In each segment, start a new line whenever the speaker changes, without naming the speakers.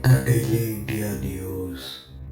Daily India News।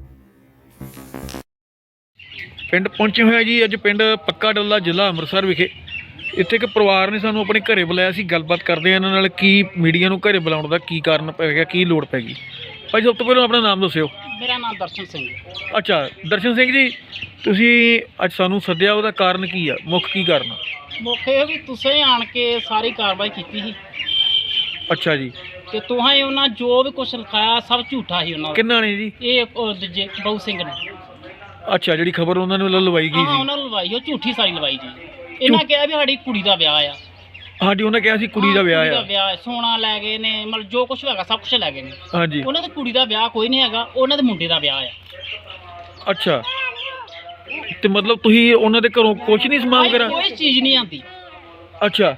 ਪਿੰਡ ਪਹੁੰਚੇ ਹੋਏ ਆ ਜੀ। ਅੱਜ ਪਿੰਡ ਪੱਕਾ ਡੱਲਾ, ਜ਼ਿਲ੍ਹਾ ਅੰਮ੍ਰਿਤਸਰ ਵਿਖੇ ਇੱਥੇ ਇੱਕ ਪਰਿਵਾਰ ਨੇ ਸਾਨੂੰ ਆਪਣੇ ਘਰੇ ਬੁਲਾਇਆ ਸੀ। ਗੱਲਬਾਤ ਕਰਦੇ ਆ ਇਹਨਾਂ ਨਾਲ, ਕੀ ਮੀਡੀਆ ਨੂੰ ਘਰੇ ਬੁਲਾਉਣ ਦਾ ਕੀ ਕਾਰਨ ਪੈ ਗਿਆ, ਕੀ ਲੋੜ ਪੈ ਗਈ। ਭਾਈ ਸਭ ਤੋਂ ਪਹਿਲਾਂ ਆਪਣਾ ਨਾਮ ਦੱਸਿਓ।
ਮੇਰਾ ਨਾਮ ਦਰਸ਼ਨ ਸਿੰਘ।
ਅੱਛਾ ਦਰਸ਼ਨ ਸਿੰਘ ਜੀ, ਤੁਸੀਂ ਅੱਜ ਸਾਨੂੰ ਸੱਦਿਆ, ਉਹਦਾ ਕਾਰਨ ਕੀ ਆ, ਮੁੱਖ ਕੀ ਕਾਰਨ ਆ?
ਮੁੱਖ ਇਹ ਵੀ ਤੁਸੀਂ ਆਣ ਕੇ ਸਾਰੀ ਕਾਰਵਾਈ ਕੀਤੀ ਸੀ
ਅੱਛਾ ਜੀ।
ਤੇ ਤੁਹਾਂ ਉਹਨਾਂ ਜੋ ਵੀ ਕੁਝ ਲਿਖਾਇਆ ਸਭ ਝੂਠਾ ਸੀ ਉਹਨਾਂ ਦਾ।
ਕਿੰਨਾ ਨੇ ਜੀ?
ਇਹ ਦੂਜੇ ਬਹੁ ਸਿੰਘ ਨੇ।
ਅੱਛਾ, ਜਿਹੜੀ ਖਬਰ ਉਹਨਾਂ ਨੇ ਵੱਲੋਂ ਲਵਾਈ ਗਈ
ਹਾਂ,
ਸੀ।
ਉਹਨਾਂ ਨੂੰ ਲਵਾਈ, ਉਹ ਝੂਠੀ ਸਾਰੀ ਲਵਾਈ ਜੀ। ਇਹਨਾਂ ਕਿਹਾ ਵੀ ਸਾਡੀ ਕੁੜੀ ਦਾ ਵਿਆਹ ਆ।
ਹਾਂਜੀ, ਉਹਨਾਂ ਕਿਹਾ ਸੀ ਕੁੜੀ ਦਾ ਵਿਆਹ ਆ।
ਵਿਆਹ ਸੋਨਾ ਲੈ ਗਏ ਨੇ, ਮਤਲਬ ਜੋ ਕੁਝ ਹੈਗਾ ਸਭ ਕੁਝ ਲੈ ਗਏ ਨੇ।
ਹਾਂਜੀ।
ਉਹਨਾਂ ਦੀ ਕੁੜੀ ਦਾ ਵਿਆਹ ਕੋਈ ਨਹੀਂ ਹੈਗਾ, ਉਹਨਾਂ ਦੇ ਮੁੰਡੇ ਦਾ ਵਿਆਹ ਆ।
ਅੱਛਾ, ਤੇ ਮਤਲਬ ਤੁਸੀਂ ਉਹਨਾਂ ਦੇ ਘਰੋਂ ਕੁਝ ਨਹੀਂ ਸਮਾਨ ਕਰਾ?
ਕੋਈ ਚੀਜ਼ ਨਹੀਂ ਆਂਦੀ।
ਅੱਛਾ,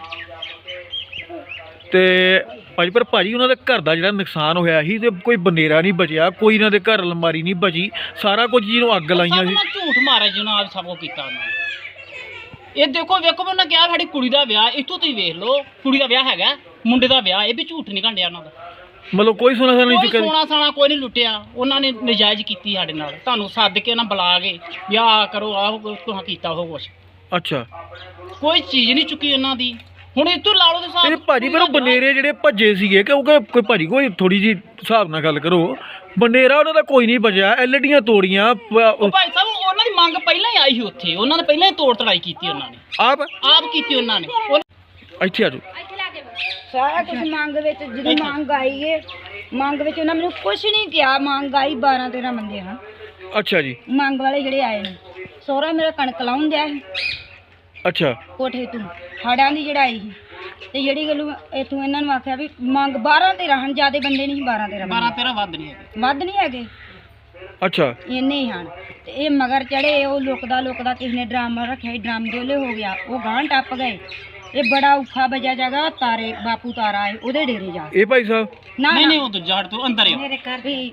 ਤੇ ਭਾਜੀ ਉਹਨਾਂ ਦੇ ਘਰ ਦਾ ਜਿਹੜਾ ਨੁਕਸਾਨ ਹੋਇਆ ਸੀ, ਤੇ ਕੋਈ ਬਨੇਰਾ ਨਹੀਂ ਬਚਿਆ, ਕੋਈ ਇਹਨਾਂ ਦੇ ਘਰ ਅਲਮਾਰੀ ਨਹੀਂ ਬਚੀ, ਸਾਰਾ ਕੁਝ ਜਿਹਨੂੰ ਅੱਗ ਲਾਈਆਂ ਸੀ।
ਝੂਠ ਮਾਰਿਆ ਜਿਹਨਾਂ ਆਪ ਸਭ ਕੁਝ ਕੀਤਾ ਉਹਨਾਂ ਨੇ। ਇਹ ਦੇਖੋ ਉਹਨਾਂ ਕਿਹਾ ਸਾਡੀ ਕੁੜੀ ਦਾ ਵਿਆਹ, ਇੱਥੋਂ ਤੁਸੀਂ ਵੇਖ ਲਓ, ਕੁੜੀ ਦਾ ਵਿਆਹ ਹੈਗਾ, ਮੁੰਡੇ ਦਾ ਵਿਆਹ, ਇਹ ਵੀ ਝੂਠ ਨਹੀਂ ਘੰਡਿਆ ਉਹਨਾਂ ਦਾ।
ਮਤਲਬ ਕੋਈ ਸੋਨਾ ਸਾਨਾ ਨਹੀਂ ਚੁੱਕਿਆ?
ਸੋਨਾ ਸਾਨਾ ਕੋਈ ਨਹੀਂ ਲੁੱਟਿਆ। ਉਹਨਾਂ ਨੇ ਨਜਾਇਜ਼ ਕੀਤੀ ਸਾਡੇ ਨਾਲ, ਤੁਹਾਨੂੰ ਸੱਦ ਕੇ ਨਾ ਬੁਲਾ ਕੇ ਵਿਆਹ ਕਰੋ, ਆਹ ਤੁਹਾਂ ਕੀਤਾ ਉਹ ਕੁਛ।
ਅੱਛਾ,
ਕੋਈ ਚੀਜ਼ ਨਹੀਂ ਚੁੱਕੀ ਉਹਨਾਂ ਦੀ। ਹੁਣ ਇੱਥੋਂ ਲਾ ਲਓ ਤੇ
ਇਹ ਭਾਜੀ ਪਰ ਉਹ ਬਨੇਰੇ ਜਿਹੜੇ ਭੱਜੇ ਸੀਗੇ, ਕਿਉਂਕਿ ਕੋਈ ਭਾਜੀ ਕੋਈ ਥੋੜੀ ਜੀ ਹਿਸਾਬ ਨਾਲ ਗੱਲ ਕਰੋ, ਬਨੇਰਾ ਉਹਨਾਂ ਦਾ ਕੋਈ ਨਹੀਂ ਬਚਿਆ, ਐਲਡੀਆਂ ਤੋੜੀਆਂ।
ਭਾਈ ਸਾਹਿਬ ਉਹਨਾਂ ਦੀ ਮੰਗ ਪਹਿਲਾਂ ਹੀ ਆਈ ਸੀ ਉੱਥੇ, ਉਹਨਾਂ ਨੇ ਪਹਿਲਾਂ ਹੀ ਤੋੜ ਤੜਾਈ ਕੀਤੀ, ਉਹਨਾਂ ਨੇ ਆਪ ਕੀਤੀ ਉਹਨਾਂ ਨੇ।
ਇੱਥੇ ਆ ਜਾਓ।
ਸਾਰਾ ਕੁਝ ਮੰਗ ਵਿੱਚ, ਜਦੋਂ ਮੰਗ ਆਈ ਏ, ਮੰਗ ਵਿੱਚ ਉਹਨਾਂ ਮੈਨੂੰ ਕੁਝ ਨਹੀਂ ਕਿਹਾ। ਮੰਗ ਆਈ 12-13 ਬੰਦੇ ਹਨ।
ਅੱਛਾ ਜੀ।
ਮੰਗ ਵਾਲੇ ਜਿਹੜੇ ਆਏ ਨੇ, ਸਹੁਰਾ ਮੇਰਾ ਕਣਕ ਲਾਉਣ ਦਿਆ ਸੀ
ਅੱਛਾ,
ਕੋਠੇ ਤੋਂ ਹਾੜਾਂ ਦੀ ਚੜਾਈ ਸੀ, ਤੇ ਜਿਹੜੀ ਗੱਲ ਇਥੋਂ ਇਹਨਾਂ ਨੂੰ ਆਖਿਆ ਵੀ ਮੰਗ 12-13 ਹਨ, ਜਿਆਦੇ ਬੰਦੇ ਨਹੀਂ, 12-13
ਵੱਧ ਨਹੀਂ ਹੈਗੇ,
ਵੱਧ ਨਹੀਂ ਹੈਗੇ,
ਅੱਛਾ
ਇੰਨੇ ਹੀ ਹਨ। ਤੇ ਇਹ ਮਗਰ ਚੜੇ, ਉਹ ਲੁਕਦਾ ਕਿਸੇ ਨੇ ਡਰਾਮਾ ਰੱਖਿਆ ਸੀ, ਡਰਾਮ ਦੋਲੇ ਹੋ ਗਿਆ, ਉਹ ਗਾਂ ਟੱਪ ਗਏ। ਇਹ ਬੜਾ ਔਖਾ ਬਜਾ ਜਗਾ, ਤਾਰੇ ਬਾਪੂ ਤਾਰਾ ਹੈ ਉਹਦੇ ਡੇਰੇ ਜਾ।
ਇਹ ਭਾਈ ਸਾਹਿਬ
ਨਹੀਂ ਉਹ ਦੂਜਾ ਹਟ ਤੋਂ ਅੰਦਰ ਹੀ
ਮੇਰੇ ਘਰ ਵੀ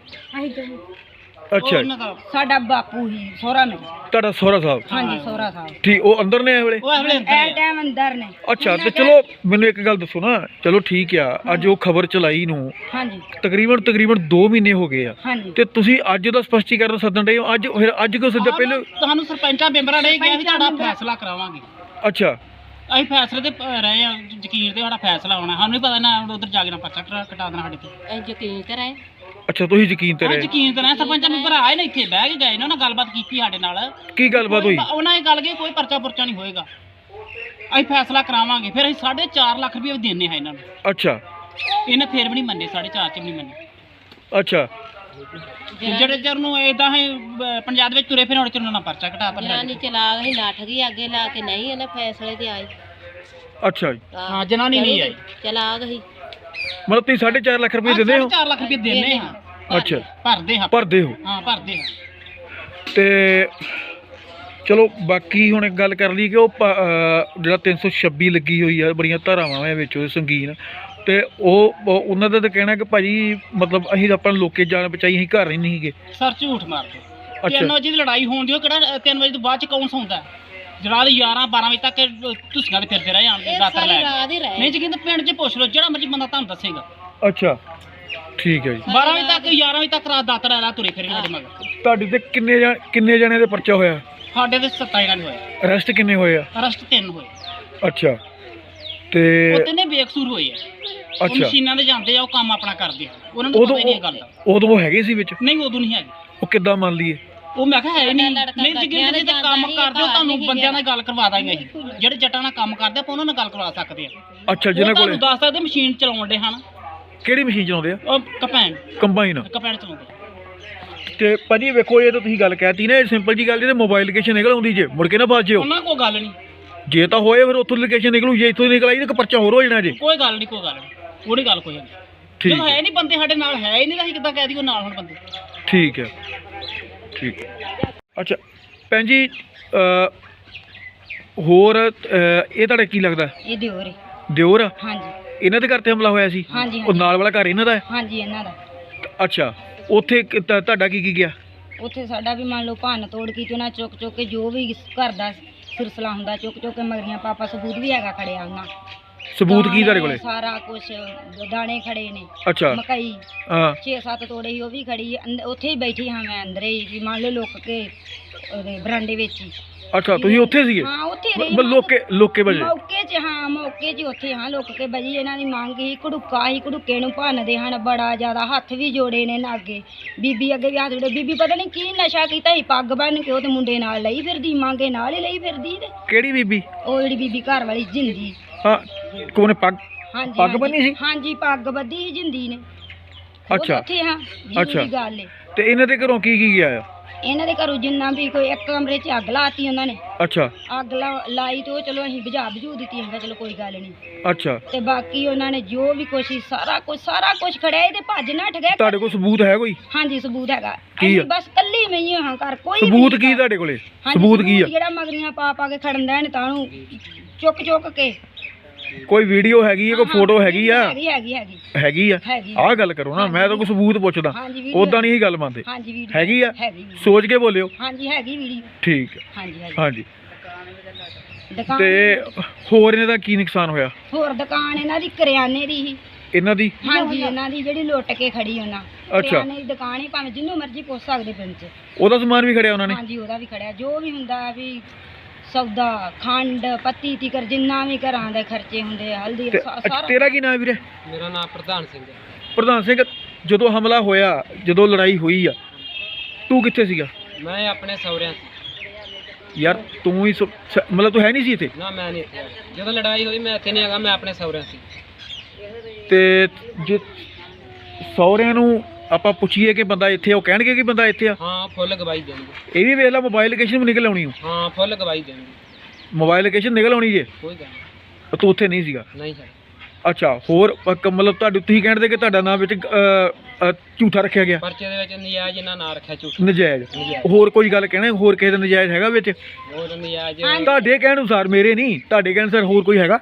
ਅੱਛਾ,
ਸਾਡਾ ਬਾਪੂ ਹੀ ਸਹੁਰਾ ਮੇਰਾ।
ਤੁਹਾਡਾ ਸਹੁਰਾ ਸਾਹਿਬ?
ਹਾਂਜੀ, ਸਹੁਰਾ ਸਾਹਿਬ
ਠੀਕ, ਉਹ ਅੰਦਰ ਨੇ ਇਹ ਵੇਲੇ?
ਇਹ ਟਾਈਮ ਅੰਦਰ ਨੇ।
ਅੱਛਾ, ਤੇ ਚਲੋ ਮੈਨੂੰ ਇੱਕ ਗੱਲ ਦੱਸੋ ਨਾ, ਚਲੋ ਠੀਕ ਆ, ਅੱਜ ਉਹ ਖਬਰ ਚਲਾਈ ਨੂੰ
ਹਾਂਜੀ
ਤਕਰੀਬਨ 2 ਮਹੀਨੇ ਹੋ ਗਏ ਆ,
ਹਾਂਜੀ,
ਤੇ ਤੁਸੀਂ ਅੱਜ ਦਾ ਸਪਸ਼ਟੀਕਰਨ ਸੱਦਣ ਡਏ ਹੋ? ਅੱਜ ਕਿਉਂ ਸੱਦਿਆ? ਪਹਿਲਾਂ
ਤੁਹਾਨੂੰ ਸਰਪੰਚਾਂ ਮੈਂਬਰਾਂ ਨੇ ਕਿਹਾ ਵੀ ਤੁਹਾਡਾ ਫੈਸਲਾ ਕਰਾਵਾਂਗੇ।
ਅੱਛਾ,
ਅਸੀਂ ਫੈਸਲੇ ਤੇ ਰਹੇ ਆ, ਯਕੀਨ ਤੇ ਸਾਡਾ ਫੈਸਲਾ ਹੋਣਾ। ਸਾਨੂੰ ਨਹੀਂ ਪਤਾ ਨਾ ਉਧਰ ਜਾ ਕੇ ਨਾ ਪਰਚਾ ਕਟਾ ਦੇਣਾ ਸਾਡੇ ਤੇ।
ਯਕੀਨ ਤੇ ਰਹੇ।
ਅੱਛਾ, ਤੁਸੀਂ ਯਕੀਨ ਤੇ ਰਹੇ?
ਯਕੀਨ ਤੇ ਰਹੇ। ਸਰਪੰਚਾਂ ਮੈਂਬਰ ਆਏ ਨੇ, ਇੱਥੇ ਬਹਿ ਕੇ ਗਏ ਨੇ, ਉਹਨਾਂ ਗੱਲਬਾਤ ਕੀਤੀ ਸਾਡੇ ਨਾਲ।
ਕੀ ਗੱਲਬਾਤ ਹੋਈ?
ਉਹਨਾਂ ਇਹ ਗੱਲ ਕਿ ਕੋਈ ਪਰਚਾ ਪੁਰਚਾ ਨਹੀਂ ਹੋਏਗਾ, ਅਸੀਂ ਫੈਸਲਾ ਕਰਾਵਾਂਗੇ। ਫਿਰ ਅਸੀਂ 4.5 ਲੱਖ ਰੁਪਏ ਦੇਣੇ ਆ ਇਹਨਾਂ ਨੂੰ।
ਅੱਛਾ,
ਇਹਨੇ ਫਿਰ ਵੀ ਨਹੀਂ ਮੰਨੇ, 4.5 ਚ ਵੀ ਨਹੀਂ ਮੰਨੇ।
ਅੱਛਾ,
ਜਿਹੜੇ ਚਿਰ ਨੂੰ ਇਦਾਂ ਹੀ ਪੰਜਾਬ ਵਿੱਚ ਤੁਰੇ ਫਿਰ ਹੁਣ ਚਿਰ ਨਾਲ ਪਰਚਾ ਘਟਾਤਾ।
ਜਨਾਨੀ ਚਲਾ ਗਈ, ਨੱਠ ਗਈ ਅੱਗੇ ਲਾ ਕੇ, ਨਹੀਂ ਇਹਨੇ ਫੈਸਲੇ ਤੇ ਆਈ।
ਅੱਛਾ ਜੀ।
ਹਾਂ, ਜਨਾਨੀ ਨਹੀਂ ਆਈ,
ਚਲਾ ਗਈ।
ਮਤਲਬ ਤੁਸੀਂ 4.5 ਲੱਖ ਰੁਪਏ ਦਿੰਦੇ ਹੋ?
4 ਲੱਖ ਰੁਪਏ ਦੇਣੇ ਹਾਂ।
ਅੱਛਾ,
ਭਰਦੇ ਹਾਂ।
ਭਰਦੇ ਹੋ?
ਹਾਂ, ਭਰਦੇ ਹਾਂ।
ਤੇ ਚਲੋ ਬਾਕੀ ਹੁਣ ਇੱਕ ਗੱਲ ਕਰ ਲਈ ਕਿ ਉਹ ਜਿਹੜਾ 326 ਲੱਗੀ ਹੋਈ ਆ, ਬੜੀਆਂ ਧਾਰਾਵਾਂ ਆ ਵਿੱਚ ਉਹ ਸੰਗੀਨ, ਤੇ ਉਹਨਾਂ ਦਾ ਤਾਂ ਕਹਿਣਾ ਕਿ ਭਾਜੀ ਮਤਲਬ ਅਸੀਂ ਆਪਾਂ ਲੋਕੇ ਜਾਨ ਬਚਾਈ, ਅਸੀਂ ਘਰ ਹੀ ਨਹੀਂ ਸੀਗੇ।
ਸਰ ਝੂਠ ਮਾਰਦੇ।
ਅੱਛਾ।
3 ਵਜੇ ਦੀ ਲੜਾਈ ਹੋਣ ਦੀ, ਉਹ ਕਿਹੜਾ 3 ਵਜੇ ਤੋਂ ਬਾਅਦ ਚ ਕੌਣ ਸੌਂਦਾ? ਰਾਤ 11-12 ਵਜੇ ਤੱਕ ਤੁਸੀਆਂ ਦੇ ਫਿਰਦੇ ਰਹੇ ਆਣਗੇ ਦਾਤਰ ਲੈ ਕੇ। ਨਹੀਂ ਜੀ, ਕਹਿੰਦੇ ਪਿੰਡ 'ਚ ਪੁੱਛ ਲਓ, ਜਿਹੜਾ ਮਰਜੀ ਬੰਦਾ ਤੁਹਾਨੂੰ ਦੱਸੇਗਾ।
ਅੱਛਾ, ਠੀਕ ਹੈ ਜੀ।
12 ਵਜੇ ਤੱਕ 11 ਵਜੇ ਤੱਕ ਰਾਤ ਦਾਤਰ ਲੈ ਤੁਰੇ ਫਿਰੇ ਸਾਡੇ ਮਗਰ।
ਤੁਹਾਡੇ ਤੇ ਕਿੰਨੇ ਜਣੇ ਦੇ ਪਰਚਾ ਹੋਇਆ?
ਸਾਡੇ ਤੇ 27 ਜਣੇ ਹੋਏ।
ਅਰੈਸਟ ਕਿੰਨੇ ਹੋਏ ਆ?
ਅਰੈਸਟ 3 ਹੋਏ।
ਅੱਛਾ, ਤੇ
ਉਹ ਤਿੰਨੇ ਬੇਕਸੂਰ ਹੋਏ ਆ। ਉਹ
ਅੱਛਾ,
ਮਸ਼ੀਨਾਂ ਤੇ ਜਾਂਦੇ ਆ, ਉਹ ਕੰਮ ਆਪਣਾ ਕਰਦੇ ਆ, ਉਹਨਾਂ ਨੂੰ ਪਤਾ ਹੀ ਨਹੀਂ ਇਹ ਗੱਲ ਦਾ।
ਉਦੋਂ ਉਹ ਹੈਗੇ ਸੀ ਵਿੱਚ?
ਨਹੀਂ, ਉਦੋਂ ਨਹੀਂ ਹੈਗੇ।
ਉਹ ਕਿੱਦਾਂ ਮੰਨ ਲਈਏ?
ਉਹ ਮੈਂ ਕਿਹਾ ਹੈ ਨਹੀਂ। ਨਹੀਂ ਜੀ, ਜਿਹੜੇ ਤੇ ਕੰਮ ਕਰਦੇ ਹੋ, ਤੁਹਾਨੂੰ ਬੰਦਿਆਂ ਨਾਲ ਗੱਲ ਕਰਵਾ ਦਾਂਗੇ ਅਸੀਂ। ਜਿਹੜੇ ਜੱਟਾਂ ਨਾਲ ਕੰਮ ਕਰਦੇ ਆਪਾਂ ਉਹਨਾਂ ਨਾਲ ਗੱਲ ਕਰਵਾ ਸਕਦੇ ਆ।
ਅੱਛਾ, ਜਿਹਨਾਂ ਕੋਲ
ਤੁਹਾਨੂੰ ਦੱਸ ਸਕਦੇ ਮਸ਼ੀਨ ਚਲਾਉਣ ਦੇ ਹਨ।
ਕਿਹੜੀ ਮਸ਼ੀਨ ਚਲਾਉਂਦੇ ਆ?
ਉਹ ਕੰਬਾਈਨ ਚਲਾਉਂਦੇ।
ਤੇ ਭਾਜੀ ਵੇਖੋ, ਇਹ ਤਾਂ ਤੁਸੀਂ ਗੱਲ ਕਹਿਤੀ ਨਾ, ਇਹ ਸਿੰਪਲ ਜੀ ਗੱਲ, ਜੇ ਮੋਬਾਈਲ ਲੋਕੇਸ਼ਨ ਨਿਕਲ ਆਉਂਦੀ ਜੇ, ਮੁੜ ਕੇ ਨਾ ਫਸ ਜਿਓ।
ਉਹਨਾਂ ਕੋਲ ਗੱਲ ਨਹੀਂ।
ਜੇ ਤਾਂ ਹੋਏ ਫਿਰ ਉੱਥੋਂ ਲੋਕੇਸ਼ਨ ਨਿਕਲੂ, ਜੇ ਇੱਥੋਂ ਨਿਕਲ ਆਈ ਤਾਂ ਪਰਚਾ ਹੋਰ ਹੋ ਜਾਣਾ ਜੇ।
ਕੋਈ ਗੱਲ ਨਹੀਂ, ਉਹਦੀ ਗੱਲ ਕੋਈ ਨਹੀਂ।
ਠੀਕ
ਜਦੋਂ ਹੈ ਨਹੀਂ ਬੰਦੇ ਸਾਡੇ ਨਾਲ, ਹੈ ਹੀ ਨਹੀਂ ਤਾਂ ਅਸੀਂ ਕਿੱਦਾਂ ਕਹਿ ਦਈਏ ਨਾਲ ਹੁਣ ਬੰਦੇ।
ਠੀਕ ਹੈ, ਠੀਕ ਹੈ। ਅੱਛਾ ਭੈਣ ਜੀ, ਹੋਰ ਇਹ ਤੁਹਾਡਾ ਕੀ ਲੱਗਦਾ?
ਇਹ ਦਿਓਰ ਹੈ।
ਦਿਓਰ ਆ?
ਹਾਂਜੀ।
ਇਹਨਾਂ ਦੇ ਘਰ ਤੇ ਹਮਲਾ ਹੋਇਆ ਸੀ?
ਹਾਂਜੀ,
ਉਹ ਨਾਲ ਵਾਲਾ ਘਰ ਇਹਨਾਂ ਦਾ ਹੈ?
ਹਾਂਜੀ, ਇਹਨਾਂ ਦਾ।
ਅੱਛਾ, ਉੱਥੇ ਤੁਹਾਡਾ ਕੀ ਗਿਆ?
ਉੱਥੇ ਸਾਡਾ ਵੀ ਮੰਨ ਲਓ ਭੰਨ ਤੋੜ ਕੀਤੀ, ਉਹਨਾਂ ਚੁੱਕ ਕੇ ਜੋ ਵੀ ਘਰ ਦਾ ਸਿਰਸਲਾ ਹੁੰਦਾ ਚੁੱਕ ਕੇ ਮਗਰੀਆਂ ਪਾਪਾ ਸਬੂਤ ਵੀ ਹੈਗਾ ਖੜਿਆ ਉਹਨਾਂ।
ਸਬੂਤ ਕੀ ਤੁਹਾਡੇ ਕੋਲੇ?
ਸਾਰਾ ਕੁਝ ਦਾਣੇ ਖੜੇ ਨੇ,
ਅੱਛਾ
ਮਕਈ
ਹਾਂ
6-7 ਤੋੜੇ ਸੀ, ਉਹ ਵੀ ਖੜੀ ਉੱਥੇ ਹੀ ਬੈਠੀ ਹਾਂ ਮੈਂ ਅੰਦਰ ਹੀ, ਵੀ ਮੰਨ ਲਓ ਲੁੱਕ ਕੇ ਉਹਦੇ ਬਰਾਂਡੇ ਵਿੱਚ ਹੀ।
ਅੱਛਾ ਤੁਸੀਂ ਉੱਥੇ ਸੀਗੇ?
ਹਾਂ ਉੱਥੇ ਰਹੀ
ਲੋਕੇ ਵਜੇ
ਮੌਕੇ 'ਚ, ਹਾਂ ਮੌਕੇ 'ਚ ਉੱਥੇ ਹਾਂ ਲੁੱਕ ਕੇ ਬਜੀ। ਇਹਨਾਂ ਦੀ ਮੰਗ ਸੀ ਘੜੂਕਾ ਸੀ, ਘੜੂਕੇ ਨੂੰ ਭੰਨਦੇ ਹਨ ਬੜਾ ਜ਼ਿਆਦਾ, ਹੱਥ ਵੀ ਜੋੜੇ ਨੇ ਨਾ ਅੱਗੇ, ਬੀਬੀ ਅੱਗੇ ਵੀ ਹੱਥ ਜੋੜੇ। ਬੀਬੀ ਪਤਾ ਨਹੀਂ ਕੀ ਨਸ਼ਾ ਕੀਤਾ ਸੀ, ਪੱਗ ਬੰਨ ਕੇ ਉਹ ਤੇ ਮੁੰਡੇ ਨਾਲ ਲਈ ਫਿਰਦੀ, ਮੰਗੇ ਨਾਲ ਹੀ ਲਈ ਫਿਰਦੀ। ਤੇ
ਕਿਹੜੀ ਬੀਬੀ?
ਉਹ ਜਿਹੜੀ ਬੀਬੀ ਘਰ ਵਾਲੀ ਜਿੰਦੀ।
ਹਾਂ ਕੋਨੇ ਪੱਗ
ਹਾਂਜੀ
ਪੱਗ ਬੰਨੀ ਸੀ?
ਹਾਂਜੀ ਪੱਗ ਬੱਧੀ ਸੀ ਜਿੰਦੀ ਨੇ।
ਅੱਛਾ
ਉੱਥੇ ਹਾਂ
ਅੱਛਾ।
ਜੀ ਗੱਲ ਏ।
ਤੇ ਇਹਨਾਂ ਦੇ ਘਰੋਂ ਕੀ ਕੀ ਗਿਆ ਆ?
ਇਹਨਾਂ ਦੇ ਘਰੋਂ ਜਿੰਨਾ ਵੀ ਕੋਈ ਇੱਕ ਕਮਰੇ 'ਚ ਅੱਗ ਲਾਤੀ ਉਹਨਾਂ ਨੇ।
ਅੱਛਾ
ਅੱਗ ਲਾਈ ਤੇ ਉਹ ਚਲੋ ਅਸੀਂ ਬੁਝਾ ਦਿੱਤੀ, ਹੈਗਾ ਚਲੋ ਕੋਈ ਗੱਲ ਨਹੀਂ।
ਅੱਛਾ
ਤੇ ਬਾਕੀ ਉਹਨਾਂ ਨੇ ਜੋ ਵੀ ਕੋਸ਼ਿਸ਼ ਸਾਰਾ ਕੁਝ ਖੜਿਆ ਤੇ ਭੱਜ ਨੱਠ ਗਏ।
ਤੁਹਾਡੇ ਕੋਲ ਸਬੂਤ ਹੈ ਕੋਈ?
ਹਾਂਜੀ ਸਬੂਤ ਹੈਗਾ।
ਕੀ ਆ?
ਅਸੀਂ ਬਸ ਕੱਲੀ ਮੈਂ ਹੀ ਹਾਂ ਘਰ, ਕੋਈ
ਸਬੂਤ ਕੀ ਤੁਹਾਡੇ ਕੋਲੇ? ਸਬੂਤ ਕੀ ਆ?
ਜਿਹੜਾ ਮਗਰੀਆਂ ਪਾ ਕੇ ਖੜਨ ਦੇਣ ਤਾਂ ਨੂੰ ਚੁੱਕ ਕੇ।
ਕੋਈ ਵੀਡੀਓ ਹੈਗੀ ਹੈ, ਕੋਈ ਫੋਟੋ ਹੈਗੀ ਆ?
ਹੈਗੀ ਆ।
ਆਹ ਗੱਲ ਕਰੋ ਨਾ, ਮੈਂ ਤਾਂ ਕੋਈ ਸਬੂਤ ਪੁੱਛਦਾ, ਉਦਾਂ ਨਹੀਂ ਇਹ ਗੱਲ ਮੰਨਦੇ।
ਹਾਂਜੀ ਵੀਡੀਓ
ਹੈਗੀ ਆ?
ਹੈਗੀ।
ਸੋਚ ਕੇ ਬੋਲਿਓ।
ਹਾਂਜੀ ਹੈਗੀ ਵੀਡੀਓ।
ਠੀਕ ਹੈ।
ਹਾਂਜੀ
ਹਾਂਜੀ
ਦੁਕਾਨ
ਤੇ ਹੋਰ ਇਹਨਾਂ ਦਾ ਕੀ ਨੁਕਸਾਨ ਹੋਇਆ?
ਹੋਰ ਦੁਕਾਨ ਇਹਨਾਂ ਦੀ ਕਰਿਆਨੇ ਦੀ ਸੀ।
ਇਹਨਾਂ ਦੀ?
ਹਾਂਜੀ ਇਹਨਾਂ ਦੀ ਜਿਹੜੀ ਲੁੱਟ ਕੇ ਖੜੀ ਉਹਨਾਂ। ਕਰਿਆਨੇ ਦੀ ਦੁਕਾਨ ਹੀ, ਭਾਵੇਂ ਜਿੰਨੂੰ ਮਰਜ਼ੀ ਪੁੱਛ ਸਕਦੇ ਪਿੰਡ 'ਚ।
ਉਹਦਾ ਸਮਾਨ ਵੀ ਖੜਿਆ ਉਹਨਾਂ ਨੇ?
ਹਾਂਜੀ ਉਹਦਾ ਵੀ ਖੜਿਆ, ਜੋ ਵੀ ਹੁੰਦਾ ਵੀ ਸੌਦਾ, ਖੰਡ, ਪੱਤੀ ਤੀਕਰ ਜਿੰਨਾ ਵੀ ਘਰਾਂ ਦੇ ਖਰਚੇ ਹੁੰਦੇ, ਹਲਦੀ ਸਾਰਾ।
ਤੇਰਾ ਕੀ ਨਾਮ ਵੀਰੇ?
ਮੇਰਾ ਨਾਮ ਪ੍ਰਧਾਨ ਸਿੰਘ ਹੈ।
ਪ੍ਰਧਾਨ ਸਿੰਘ, ਜਦੋਂ ਹਮਲਾ ਹੋਇਆ, ਜਦੋਂ ਲੜਾਈ ਹੋਈ ਆ, ਤੂੰ ਕਿੱਥੇ ਸੀਗਾ?
ਮੈਂ ਆਪਣੇ ਸਹੁਰਿਆਂ ਸੀ।
ਯਾਰ ਤੂੰ ਹੀ ਮਤਲਬ ਤੂੰ ਹੈ ਨਹੀਂ ਸੀ ਇੱਥੇ?
ਨਾ ਮੈਂ ਨਹੀਂ ਇੱਥੇ, ਜਦੋਂ ਲੜਾਈ ਹੋਈ ਮੈਂ ਇੱਥੇ ਨਹੀਂ ਹੈਗਾ, ਮੈਂ ਆਪਣੇ ਸਹੁਰਿਆਂ ਸੀ।
ਤੇ ਜੇ ਸਹੁਰਿਆਂ ਨੂੰ ਆਪਾਂ ਪੁੱਛੀਏ ਕਿ ਬੰਦਾ ਇੱਥੇ, ਉਹ ਕਹਿਣਗੇ ਕਿ ਬੰਦਾ ਇੱਥੇ ਆ?
ਹਾਂ ਫੁੱਲ ਗਵਾਹੀ ਦੇਣਗੇ।
ਇਹ ਵੀ ਵੇਖ ਲਾ, ਮੋਬਾਈਲ ਲੋਕੇਸ਼ਨ ਵੀ ਨਿਕਲ ਆਉਣੀ।
ਹਾਂ ਫੁੱਲ ਗਵਾਹੀ ਦੇਣਗੇ।
ਮੋਬਾਈਲ ਲੋਕੇਸ਼ਨ ਨਿਕਲ ਆਉਣੀ ਜੇ?
ਕੋਈ ਗੱਲ ਨਹੀਂ।
ਤੂੰ ਉੱਥੇ ਨਹੀਂ ਸੀਗਾ?
ਨਹੀਂ ਸਰ।
ਅੱਛਾ ਹੋਰ ਮਤਲਬ ਤੁਸੀਂ ਕਹਿੰਦੇ ਕਿ ਤੁਹਾਡਾ ਨਾਮ ਵਿੱਚ ਝੂਠਾ ਰੱਖਿਆ ਗਿਆ?
ਪਰਚੇ ਦੇ ਵਿੱਚ ਨਜਾਇਜ਼ ਇਹਨਾਂ ਨਾਂ ਰੱਖਿਆ, ਝੂਠ।
ਨਜਾਇਜ਼? ਹੋਰ ਕੋਈ ਗੱਲ ਕਹਿਣਾ, ਹੋਰ ਕਿਸੇ ਦਾ ਨਜਾਇਜ਼ ਹੈਗਾ ਵਿੱਚ?
ਹੋਰ ਨਜਾਇਜ਼
ਤੁਹਾਡੇ ਕਹਿਣ ਅਨੁਸਾਰ, ਮੇਰੇ ਨਹੀਂ, ਤੁਹਾਡੇ ਕਹਿਣ ਅਨੁਸਾਰ ਹੋਰ ਕੋਈ ਹੈਗਾ?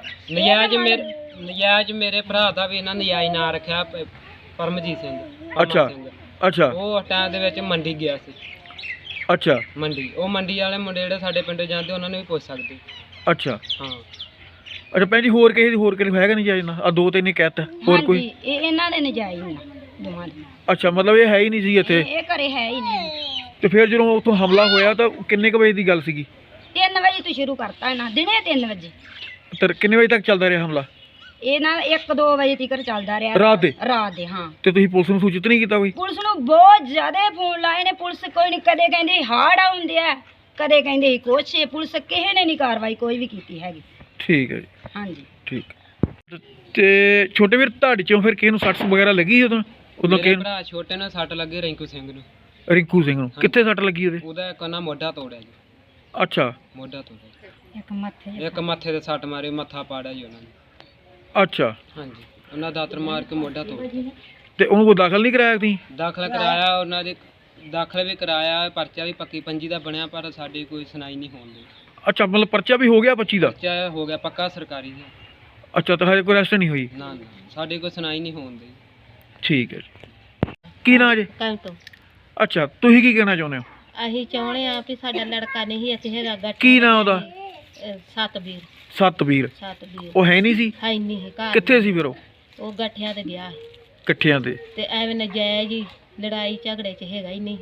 ਨਜਾਇਜ਼ ਮੇਰੇ ਭਰਾ ਦਾ ਵੀ ਇਹਨਾਂ ਨਜਾਇਜ਼ ਨਾਂ ਰੱਖਿਆ, ਪਰਮਜੀਤ ਸਿੰਘ।
ਅੱਛਾ ਅੱਛਾ।
ਉਹ ਟਾਈਮ ਦੇ ਵਿੱਚ ਮੰਡੀ ਗਿਆ ਸੀ।
ਅੱਛਾ
ਮੰਡੀ, ਉਹ ਮੰਡੀ ਵਾਲੇ ਮੁੰਡੇ ਜਿਹੜੇ ਸਾਡੇ ਪਿੰਡੋਂ ਜਾਂਦੇ ਉਹਨਾਂ ਨੂੰ ਵੀ ਪੁੱਛ ਸਕਦੇ।
ਅੱਛਾ
ਹਾਂ।
ਅੱਛਾ ਭੈਣ ਜੀ, ਹੋਰ ਕਿਸੇ ਹੈਗਾ ਨਜਾਇਜ਼ ਨਾ? ਆ ਦੋ ਤਿੰਨ ਹੀ ਕਹਿਤਾ, ਹੋਰ ਕੋਈ?
ਇਹ ਇਹਨਾਂ ਦੇ ਨਜਾਇਜ਼ ਨੇ ਦੋਵਾਂ ਦੇ।
ਅੱਛਾ ਮਤਲਬ ਇਹ ਹੈ ਹੀ ਨਹੀਂ ਸੀ ਇੱਥੇ?
ਇਹ ਘਰੇ ਹੈ ਹੀ ਨਹੀਂ।
ਤੇ ਫਿਰ ਜਦੋਂ ਉੱਥੋਂ ਹਮਲਾ ਹੋਇਆ ਤਾਂ ਕਿੰਨੇ ਕੁ ਵਜੇ ਦੀ ਗੱਲ ਸੀਗੀ?
3 ਵਜੇ ਤੋਂ ਸ਼ੁਰੂ ਕਰਤਾ ਇਹਨਾਂ, ਦਿਨੇ 3 ਵਜੇ।
ਤੇ ਕਿੰਨੇ ਵਜੇ ਤੱਕ ਚੱਲਦਾ ਰਿਹਾ ਹਮਲਾ?
ਇਹ ਨਾ 1-2 ਵਜੇ ਤੱਕ ਚੱਲਦਾ ਰਿਹਾ।
ਰਾਤ ਦੇ? ਹਾਂ। ਤੇ ਤੁਸੀਂ ਪੁਲਿਸ ਨੂੰ ਸੂਚਿਤ ਨਹੀਂ ਕੀਤਾ ਕੋਈ? ਪੁਲਿਸ
ਨੂੰ ਬਹੁਤ ਜ਼ਿਆਦਾ ਫੋਨ ਲਾਏ ਨੇ, ਪੁਲਿਸ ਕੋਈ ਨਹੀਂ, ਕਦੇ ਕਹਿੰਦੇ ਹਾੜ ਆਉਂਦੇ ਆ, ਕਦੇ ਕਹਿੰਦੇ ਕੁਛ। ਪੁਲਿਸ ਕਿਸੇ ਨੇ ਨਹੀਂ ਕਾਰਵਾਈ ਕੋਈ ਵੀ ਕੀਤੀ ਹੈਗੀ।
ਠੀਕ ਹੈ ਜੀ।
ਹਾਂਜੀ
ਠੀਕ। ਤੇ ਛੋਟੇ ਵੀਰ, ਤੁਹਾਡੇ ਚੋਂ ਫਿਰ ਕਿਸੇ ਨੂੰ ਸੱਟ ਵਗੈਰਾ ਲੱਗੀ ਉਦੋਂ?
ਮੇਰੇ ਭਰਾ ਛੋਟੇ ਨੂੰ ਸੱਟ ਲੱਗੀ, ਰਿੰਕੂ ਸਿੰਘ ਨੂੰ।
ਰਿੰਕੂ ਸਿੰਘ ਨੂੰ ਕਿੱਥੇ ਸੱਟ ਲੱਗੀ ਉਹਦੇ?
ਉਹਦਾ ਇੱਕ ਨਾ ਮੋਢਾ ਤੋੜਿਆ ਜੀ।
ਅੱਛਾ।
ਮੋਢਾ ਤੋੜਿਆ।
ਇੱਕ
ਮੱਥੇ ਤੇ ਸੱਟ ਮਾਰੀ, ਮੱਥਾ ਪਾੜਿਆ ਜੀ ਉਹਨਾਂ ਨੇ।
ਅੱਛਾ।
ਹਾਂਜੀ, ਉਹਨਾਂ ਦਾਤਰ ਮਾਰ ਕੇ ਮੋਢਾ ਤੋੜ।
ਤੇ ਉਹਨੂੰ ਕੋਈ ਦਾਖਲ ਨਹੀਂ ਕਰਾਇਆ ਤੁਸੀਂ?
ਦਾਖਲ ਕਰਾਇਆ, ਉਹਨਾਂ ਦੇ ਦਾਖਲ ਵੀ ਕਰਾਇਆ, ਪਰਚਾ ਵੀ ਪੱਕੀ ਪੰਜੀ ਦਾ ਬਣਿਆ, ਪਰ ਸਾਡੀ ਕੋਈ ਸੁਣਾਈ ਨਹੀਂ ਹੋਣ ਦੀ।
ਅੱਛਾ ਮਤਲਬ ਪਰਚਾ ਵੀ ਹੋ ਗਿਆ 25 ਦਾ?
ਪਰਚਾ ਹੋ ਗਿਆ ਪੱਕਾ ਸਰਕਾਰੀ ਜੀ।
ਅੱਛਾ, ਤਾਂ ਹਜੇ ਕੋਈ ਅਰੈਸਟ ਨਹੀਂ ਹੋਈ?
ਨਾ ਸਾਡੀ ਕੋਈ ਸੁਣਾਈ ਨਹੀਂ ਹੋਣ ਦੀ।
ਠੀਕ ਹੈ ਜੀ। ਕੀ ਨਾਂ ਜੀ?
ਕੰਮ ਤੋਂ।
ਅੱਛਾ, ਤੁਸੀਂ ਕੀ ਕਹਿਣਾ ਚਾਹੁੰਦੇ ਹੋ?
ਅਸੀਂ ਚਾਹੁੰਦੇ ਆ ਵੀ ਸਾਡਾ ਲੜਕਾ ਨਹੀਂ ਇੱਥੇ ਹੈਗਾ। ਗੱਟ
ਕੀ ਨਾਂ ਉਹਦਾ?
ਸਤਬੀਰ।
ਸਤਬੀਰ? ਉਹ ਹੈ ਨਹੀਂ ਸੀ?
ਹੈ ਨਹੀਂ ਘਰ।
ਕਿੱਥੇ ਸੀ ਫਿਰ
ਉਹ ਗੱਠਿਆਂ ਤੇ ਗਿਆ।
ਇਕੱਠਿਆਂ ਤੇ?
ਤੇ ਐਵੇਂ ਨਜਾਇਜ਼ ਹੀ ਲੜਾਈ ਝਗੜੇ 'ਚ ਹੈਗਾ ਹੀ ਨਹੀਂ।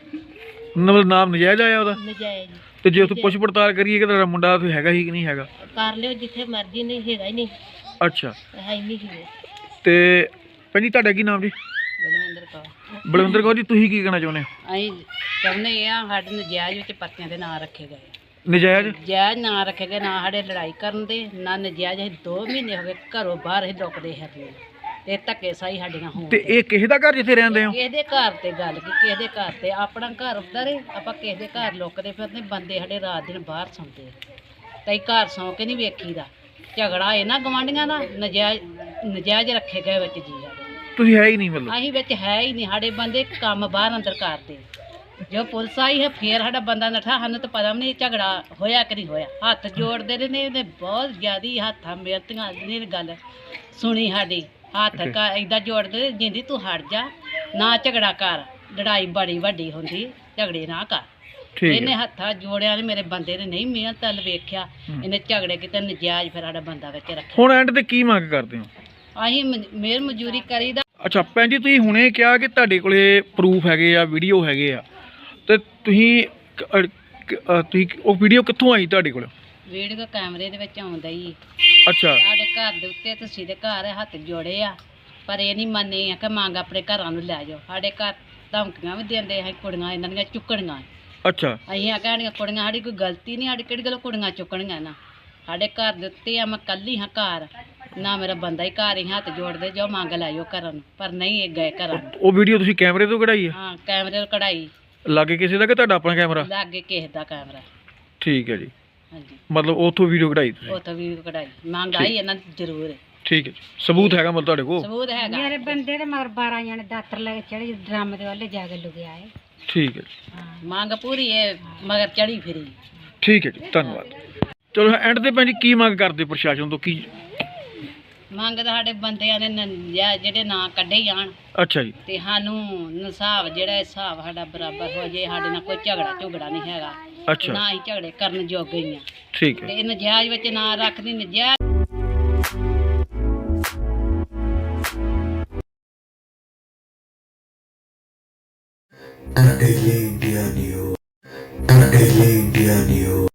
ਮਤਲਬ ਨਾਮ ਨਜਾਇਜ਼ ਆਇਆ ਉਹਦਾ?
ਨਜਾਇਜ਼।
ਤੇ ਜੇ ਉੱਥੇ ਪੁੱਛ ਪੜਤਾਲ ਕਰੀਏ ਕਿ ਤੁਹਾਡਾ ਮੁੰਡਾ ਉੱਥੇ ਹੈਗਾ ਹੀ ਕਿ ਨਹੀਂ ਹੈਗਾ?
ਕਰ ਲਿਓ ਜਿੱਥੇ ਮਰਜ਼ੀ, ਨਹੀਂ ਹੈਗਾ ਹੀ ਨਹੀਂ।
ਅੱਛਾ।
ਹੈ ਹੀ ਨਹੀਂ ਸੀ।
ਤੇ ਭੈਣ ਜੀ, ਤੁਹਾਡਾ ਕੀ ਨਾਮ ਜੀ?
ਬਲਵਿੰਦਰ ਕੌਰ।
ਬਲਵਿੰਦਰ ਕੌਰ ਜੀ, ਤੁਸੀਂ ਕੀ ਕਹਿਣਾ ਚਾਹੁੰਦੇ ਹੋ?
ਅਸੀਂ ਚਾਹੁੰਦੇ ਆ ਸਾਡੇ ਨਜਾਇਜ਼ ਵਿੱਚ ਪਰਚਿਆਂ ਦੇ ਨਾਂ ਰੱਖੇ ਗਏ।
ਨਜਾਇਜ਼?
ਨਜਾਇਜ਼ ਨਾਂ ਰੱਖੇ ਗਏ, ਨਾ ਸਾਡੇ ਲੜਾਈ ਕਰਨ ਦੇ, ਨਾ ਨਜਾਇਜ਼। ਅਸੀਂ 2 ਮਹੀਨੇ ਹੋ ਗਏ ਘਰੋਂ ਬਾਹਰ ਹੀ ਲੁਕਦੇ ਹੈਗੇ ਤੇ ਧੱਕੇ ਸਾਈ ਸਾਡੀਆਂ ਹੋਣ।
ਤੇ ਇਹ ਕਿਸੇ ਦਾ ਘਰ ਜਿੱਥੇ ਰਹਿੰਦੇ ਹੋ?
ਕਿਸੇ ਦੇ ਘਰ ਤੇ ਗੱਲ ਕੀ, ਕਿਸੇ ਦੇ ਘਰ ਤੇ ਆਪਣਾ ਘਰ ਹੁੰਦਾ ਰੇ, ਆਪਾਂ ਕਿਸੇ ਦੇ ਘਰ ਲੁਕਦੇ ਫਿਰਦੇ। ਬੰਦੇ ਸਾਡੇ ਰਾਤ ਦਿਨ ਬਾਹਰ ਸੌਂਦੇ, ਤੇ ਘਰ ਸੌਂ ਕੇ ਨਹੀਂ ਵੇਖੀਦਾ। ਝਗੜਾ ਇਹਨਾਂ ਗਵਾਂਢੀਆਂ ਦਾ, ਨਜਾਇਜ਼ ਰੱਖੇ ਗਏ ਵਿੱਚ ਜੀ ਸਾਡੇ।
ਤੁਸੀਂ ਹੈ ਹੀ ਨਹੀਂ ਮਤਲਬ?
ਅਸੀਂ ਵਿੱਚ ਹੈ ਹੀ ਨਹੀਂ। ਸਾਡੇ ਬੰਦੇ ਕੰਮ ਬਾਹਰ ਅੰਦਰ ਕਰਦੇ। ਜੋ ਪੁਲਿਸ ਆਈ ਹੈ ਫੇਰ ਸਾਡਾ ਬੰਦਾ ਨੱਠਾ। ਸਾਨੂੰ ਤਾਂ ਪਤਾ ਵੀ ਨਹੀਂ ਝਗੜਾ ਹੋਇਆ ਕਿ ਨਹੀਂ ਹੋਇਆ। ਹੱਥ ਜੋੜਦੇ ਰਹੇ ਨੇ, ਇਹਨੇ ਬਹੁਤ ਜ਼ਿਆਦੀ ਹੱਥਾਂ ਮਿਹਨਤੀਆਂ ਨੇ ਗੱਲ ਸੁਣੀ ਸਾਡੀ। ਹੱਥ ਏਦਾਂ ਜੋੜਦੇ, ਜਿੰਦੀ ਤੂੰ ਹਟ ਜਾ, ਨਾ ਝਗੜਾ ਕਰ, ਲੜਾਈ ਬੜੀ ਵੱਡੀ ਹੁੰਦੀ, ਝਗੜੇ ਨਾ ਕਰ।
ਠੀਕ
ਇਹਨੇ
ਹੈ
ਹੱਥਾਂ ਜੋੜਿਆ ਨੇ ਮੇਰੇ ਬੰਦੇ ਨੇ ਨਹੀਂ ਮਿਹਨਤ ਵੱਲ ਵੇਖਿਆ, ਇਹਨੇ ਝਗੜੇ ਕਿਤੇ ਨਜਾਇਜ਼ ਫਿਰ ਸਾਡਾ ਬੰਦਾ ਵਿੱਚ ਰੱਖਿਆ।
ਹੁਣ ਐਂਡ ਤੇ ਕੀ ਮੰਗ ਕਰਦੇ ਹੋ?
ਅਸੀਂ ਮਿਹਰ ਮਜ਼ਦੂਰੀ ਕਰੀਦਾ।
ਅੱਛਾ ਭੈਣ ਜੀ, ਤੁਸੀਂ ਹੁਣੇ ਕਿਹਾ ਕਿ ਤੁਹਾਡੇ ਕੋਲੇ ਪ੍ਰੂਫ ਹੈਗੇ ਆ, ਵੀਡੀਓ ਹੈਗੇ ਆ, ਤੇ ਤੁਸੀਂ ਉਹ ਵੀਡੀਓ ਕਿੱਥੋਂ ਆਈ ਤੁਹਾਡੇ ਕੋਲ?
ਵੀਡੀਓ ਕੈਮਰੇ ਦੇ ਵਿੱਚ ਆਉਂਦਾ ਹੀ।
ਅੱਛਾ
ਸਾਡੇ ਘਰ ਦੇ ਉੱਤੇ ਤੁਸੀਂ ਦੇ ਘਰ ਹੱਥ ਜੋੜੇ ਆ, ਪਰ ਇਹ ਨਹੀਂ ਮੰਨੇ ਆ ਕਿ ਮੰਗ ਆਪਣੇ ਘਰਾਂ ਨੂੰ ਲੈ ਜਾਓ। ਸਾਡੇ ਘਰ ਧਮਕੀਆਂ ਵੀ ਦਿੰਦੇ ਆ, ਕੁੜੀਆਂ ਇਹਨਾਂ ਦੀਆਂ ਚੁੱਕਣੀਆਂ।
ਅੱਛਾ
ਅਸੀਂ ਆ ਕਹਿਣੀਆਂ ਕੁੜੀਆਂ, ਸਾਡੀ ਕੋਈ ਗਲਤੀ ਨਹੀਂ, ਸਾਡੀ ਕਿਹੜੀ ਗੱਲ ਕੁੜੀਆਂ ਚੁੱਕਣੀਆਂ ਨਾ। ਸਾਡੇ ਘਰ ਦੇ ਉੱਤੇ ਆ, ਮੈਂ ਕੱਲੀ ਹਾਂ ਘਰ, ਨਾ ਮੇਰਾ ਬੰਦਾ ਹੀ ਘਰ ਹੀ ਹੱਥ ਜੋੜਦੇ ਜੋ ਮੰਗ ਲੈ ਜਾਓ ਘਰਾਂ ਨੂੰ, ਪਰ ਨਹੀਂ ਇਹ ਗਏ ਘਰਾਂ ਨੂੰ।
ਉਹ ਵੀਡੀਓ ਤੁਸੀਂ ਕੈਮਰੇ ਤੋਂ ਕਢਾਈ ਹੈ?
ਹਾਂ ਕੈਮਰੇ ਤੋਂ ਕਢਾਈ,
ਲਾਗੇ ਕਿਸੇ ਦਾ ਕਿ ਤੁਹਾਡਾ ਆਪਣਾ ਕੈਮਰਾ?
ਲਾਗੇ ਕਿਸੇ ਦਾ ਕੈਮਰਾ।
ਠੀਕ ਹੈ ਜੀ,
ਹਾਂਜੀ
ਮਤਲਬ ਉੱਥੋਂ ਵੀਡੀਓ ਕਢਾਈ ਤੁਸੀਂ?
ਉੱਥੋਂ ਵੀ ਕਢਾਈ, ਮੰਗ ਆਈ ਇਹਨਾਂ ਦੀ ਜ਼ਰੂਰ ਹੈ।
ਠੀਕ ਹੈ ਜੀ, ਸਬੂਤ ਹੈਗਾ ਮਤਲਬ ਤੁਹਾਡੇ ਕੋਲ?
ਸਬੂਤ ਹੈਗਾ।
ਮੇਰੇ ਬੰਦੇ ਦੇ ਮਗਰ 12 ਜਣੇ ਦਾਤਰ ਲੈ ਕੇ ਚੜੇ, ਡਰਮ ਦੇ ਵੱਲੇ ਜਾ ਕੇ ਲੁਕਿਆ ਹੈ।
ਠੀਕ ਹੈ ਜੀ,
ਹਾਂ, ਮੰਗ ਪੂਰੀ ਹੈ, ਮਗਰ ਚੜੀ ਫਿਰੀ।
ਠੀਕ ਹੈ ਜੀ, ਧੰਨਵਾਦ। ਚਲੋ ਐਂਡ ਤੇ ਭੈਣ ਜੀ ਕੀ ਮੰਗ ਕਰਦੇ ਪ੍ਰਸ਼ਾਸਨ ਤੋਂ? ਕੀ
ਮੰਗ ਤਾਂ ਸਾਡੇ ਬੰਦਿਆਂ ਦੇ ਜਿਹੜੇ ਨਾਂ ਕੱਢੇ ਜਾਣ,
ਅੱਛਾ ਜੀ,
ਤੇ ਸਾਨੂੰ ਇਨਸਾਫ ਜਿਹੜਾ ਹਿਸਾਬ ਸਾਡਾ ਬਰਾਬਰ ਹੋ ਜੇ। ਸਾਡੇ ਨਾਲ ਕੋਈ ਝਗੜਾ ਨਹੀਂ ਹੈਗਾ,
ਅੱਛਾ
ਨਾ ਹੀ ਝਗੜੇ ਕਰਨ ਜੋਗੇ ਹੀ ਆ।
ਠੀਕ ਹੈ।
ਤੇ ਇਹ ਨਜਾਇਜ਼ ਵਿੱਚ ਨਾ ਰੱਖਦੀ, ਨਜਾਇਜ਼
Daily India News. Daily India News.